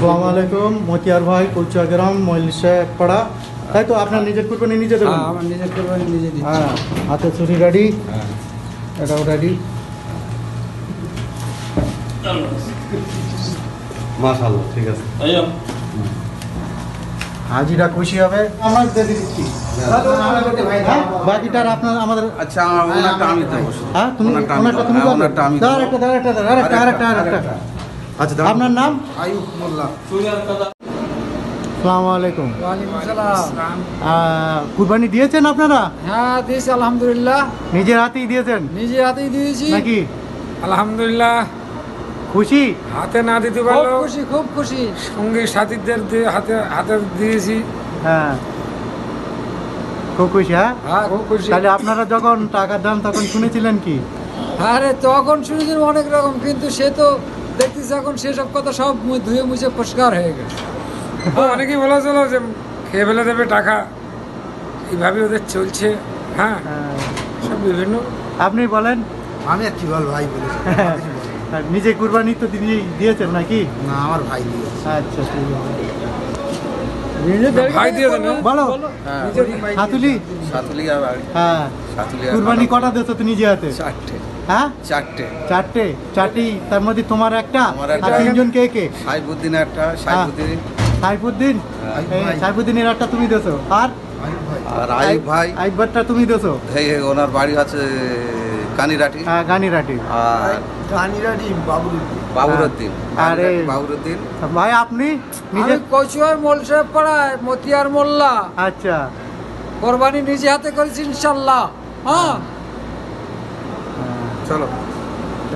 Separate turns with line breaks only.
আসসালামু আলাইকুম, মতিয়ার ভাই, কৌচা গ্রাম, মহিলিশা পাড়া। তাই তো আপনার নিজের কুরবানি নিজে দেবেন?
হ্যাঁ, আমার নিজের কুরবানি নিজে দিচ্ছি।
হ্যাঁ, হাতে ছুরি রেডি,
হ্যাঁ।
এটাও রেডি।
মাশাআল্লাহ, ঠিক আছে।
হাজিরা খুশি হবে, আমরা দিয়ে দিচ্ছি। হ্যাঁ, বাকিটার আপনার আমাদের।
আচ্ছা, ওনারটা আমি দেবো।
হ্যাঁ, তুমি
ওনারটা আমি
ওনারটা
দেবো।
তুমি
হ্যাঁ,
করবে?
ওনারটা আমি
দাও,
দেবো।
আরেকটা।
আচ্ছা, দাও।
আপনার নাম?
আয়ুব মোল্লা।
আসসালামু আলাইকুম।
ওয়ালাইকুম আসসালাম।
কুরবানি দিয়েছেন আপনারা?
হ্যাঁ, দিয়েছি আলহামদুলিল্লাহ।
নিজের হাতেই দিয়েছেন
নিজে হাতেই দিয়েছি।
নাকি?
আলহামদুলিল্লাহ।
খুশি?
হাতে না দিতে
খুব
পারলেও
খুশি, খুব খুশি।
সঙ্গী সাথীদের হাতে হাতে দিয়েছি।
হ্যাঁ, খুব খুশি। হ্যাঁ,
হ্যাঁ, খুব খুশি।
তাহলে আপনারা যখন টাকা দেন তখন শুনেছিলেন কি?
আরে তখন শুনেছি অনেক রকম, কিন্তু সে তো দেখতেছি এখন সেসব কথা সব ধুয়ে মুছে পরিষ্কার হয়ে গেছে।
অনেকেই বলেছিল যে খেয়ে ফেলে দেবে টাকা, এইভাবে ওদের চলছে। হ্যাঁ,
হ্যাঁ,
সব বিভিন্ন।
আপনি বলেন।
আমি আর কি বল ভাই বলেছি।
আর নিজে কুরবানি তো দিয়েছেন নাকি?
না, আমার ভাই দিয়েছে।
আচ্ছা, ঠিক আছে।
ভাই দিয়ে দেন।
বলো, সাতুলি।
সাতুলিয়া বাড়ি।
হ্যাঁ,
সাতুলিয়া
কুরবানি কটা দিয়েছো তো নিজে হাতে?
চারটে।
হ্যাঁ,
চারটে।
চারটি। তার মধ্যে তোমার একটা,
আমার
আর
একটা।
তিনজন কে কে?
সাইফুদ্দিন একটা,
সাইফুদ্দিন। এই সাইফুদ্দিনের একটা তুমি দিয়েছো, আর
আর আইব ভাই।
আইবারটা তুমি দিয়েছো।
এই ওনার বাড়ি আছে কানিরাটি।
গানিরাটি।
আর
গানিরাটি
বাবুরউদ্দিন।
আরে।
বাবুরউদ্দিন।
ভাই আপনি নিজে?
আমি কচুয়ার মোল সাহেব পাড়ায় মতিয়ার মোল্লা।
আচ্ছা,
কোরবানি নিজে হাতে করেছি ইনশাল্লাহ। হ্যাঁ,
চলো।